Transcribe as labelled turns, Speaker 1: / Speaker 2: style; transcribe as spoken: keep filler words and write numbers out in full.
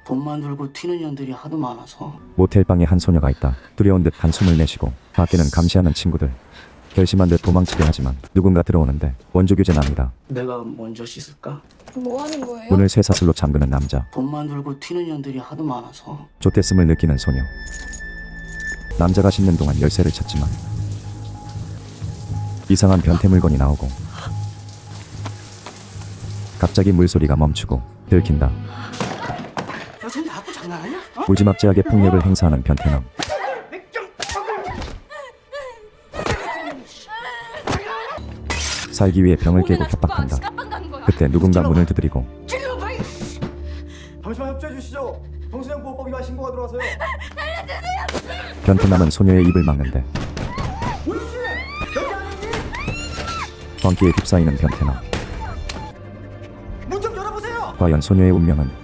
Speaker 1: 돈만 들고 튀는 년들이 하도 많아서.
Speaker 2: 모텔방에 한 소녀가 있다. 두려운 듯 한숨을 내쉬고 밖에는 감시하는 친구들. 결심한 듯 도망치려 하지만 누군가 들어오는데 원조 규제 납니다.
Speaker 1: 내가 먼저 씻을까?
Speaker 3: 뭐 하는 거예요?
Speaker 2: 문을 쇠사슬로 잠그는 남자.
Speaker 1: 돈만 들고 튀는 년들이 하도 많아서.
Speaker 2: 좆됐음을 느끼는 소녀. 남자가 씻는 동안 열쇠를 찾지만 이상한 변태 물건이 나오고 갑자기 물소리가 멈추고 들킨다.
Speaker 1: 여쟤 나하고 장난하냐? 어?
Speaker 2: 무지막지하게 폭력을 행사하는 변태남. 살기 위해 병을 깨고 협박한다. 그때 누군가 문을 두드리고
Speaker 4: 잠시만 협조해 주시죠. 동수령보호법위반 신고가 들어와서요.
Speaker 2: 변태남은 소녀의 입을 막는데 광기에 휩싸이는 변태남.
Speaker 4: 문 좀 열어보세요.
Speaker 2: 과연 소녀의 운명은